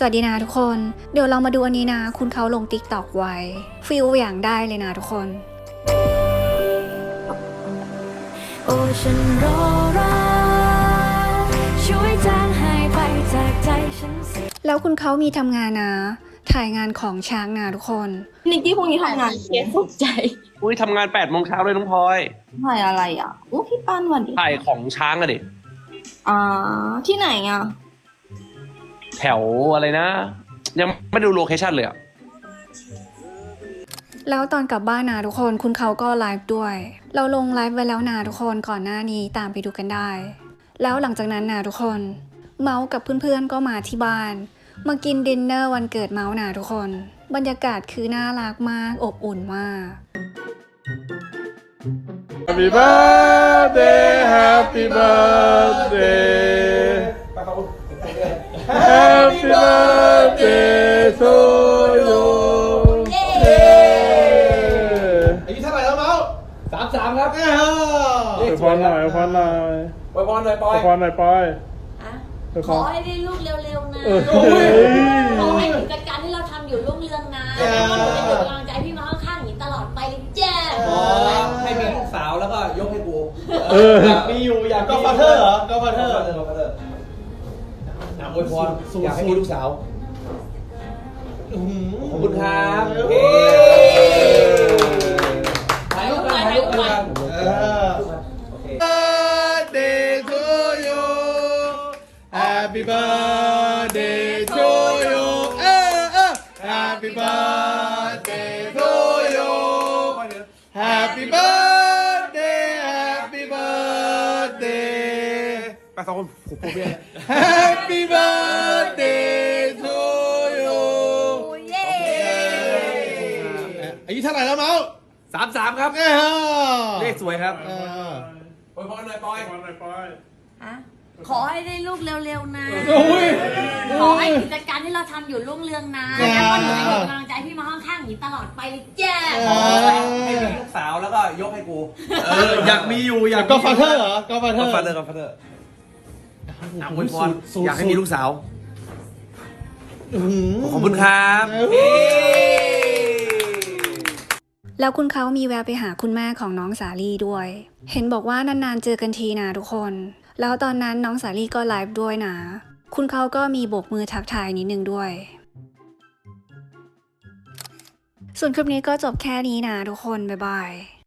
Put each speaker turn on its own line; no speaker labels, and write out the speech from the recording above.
สวัสดีนะทุกคนเดี๋ยวเรามาดูอันนี้นะคุณเขาลงติ๊กต็อกไว้ฟิลอย่างได้เลยนะทุกคน
โอ้ฉันรอรักช่วยจางหายไปจากใจฉันสิ
แล้วคุณเขามีทำงานนะถ่ายงานของช้างนะทุกคน
นิกกี้พรุ่งนี้ทำงานเคสสนใจ
อุ้ยทำงาน8 โมงเช้าเลยน้องพลอย
ถ่ายอะไรอ่ะอู้พี่ปั้นวันดี
ถ่ายของช้างอะดิ
ที่ไหนอ่ะ
แถวอะไรนะ ยังไม่ดูโลเคชั่นเลยอะ
แล้วตอนกลับบ้านนะทุกคนคุณเขาก็ไลฟ์ด้วย เราลงไลฟ์ไว้แล้วนะทุกคนก่อนหน้านี้ตามไปดูกันได้ แล้วหลังจากนั้นนะทุกคนเมาส์กับเพื่อนๆก็มาที่บ้านมากินดินเนอร์วันเกิดเมาส์นะทุกคนบรรยากาศคือน่ารักมากอบอุ่นมาก
Happy birthday Happy birthday Happy birthday to you
อายุเท่าไหร่แล้วเมาส์33 ครับ
ไปพรหน่อยพรหน่อย
ไปพรหน่อยปอย
พรหน่อยปอย
ขอให้ได้ลูกเร็วๆนะ
โอ้ย
ขอให้กิจการที่เราทำอยู่รุ่งเรืองนะแล้วก็หนูจะเป็นกำลังใจพี่มาข้างๆอย่างนี้ตลอดไปเลยแจ้
ขอให้มีลูกสาวแล้วก็ยกให้กู
อยากมี
อยากก็ฟาเธอร์เหรอก็ฟาเธอร์อวยพรอยากให้มีลูกสาวขอบคุณครับถ่ายรูปกันถ่ายรูปกัน
Birthday to you Happy birthday to you Happy birthday to you Happy birthday Happy birthday
ไปสองคนผมเบี้ย
Happy birthday to you อายุเท่าไหร่แล้วเมาส์
33 ครับ เลขสวยครับอวยพรหน่อยปอย
ขอให้ได้ลูกเร็วๆนะ
โอ้ย
ขอให้กิจการที่เราทำอยู่รุ่งเรืองนะแล้วก็หนูจะเป็นกำลังใจพี่มาข้างๆอย่างนี้ตลอดไปเลยแจ้
ให้มีลูกสาวแล้วก็ยกให้กูอยากมีอยู่อยาก
ก็ฟาเธอร์เหรอก็ฟาเธอร์
ก็ฟาเธอร์อวยพรอยากให้มีลูกสาวขอบคุณครับ
แล้วคุณเขามีแวะไปหาคุณแม่ของน้องสาลี่ด้วย เห็นบอกว่านานๆเจอกันทีนะทุกคน แล้วตอนนั้นน้องสาลี่ก็ไลฟ์ด้วยนะ คุณเขาก็มีโบกมือทักทายนิดนึงด้วย ส่วนคลิปนี้ก็จบแค่นี้นะทุกคน บ๊ายบาย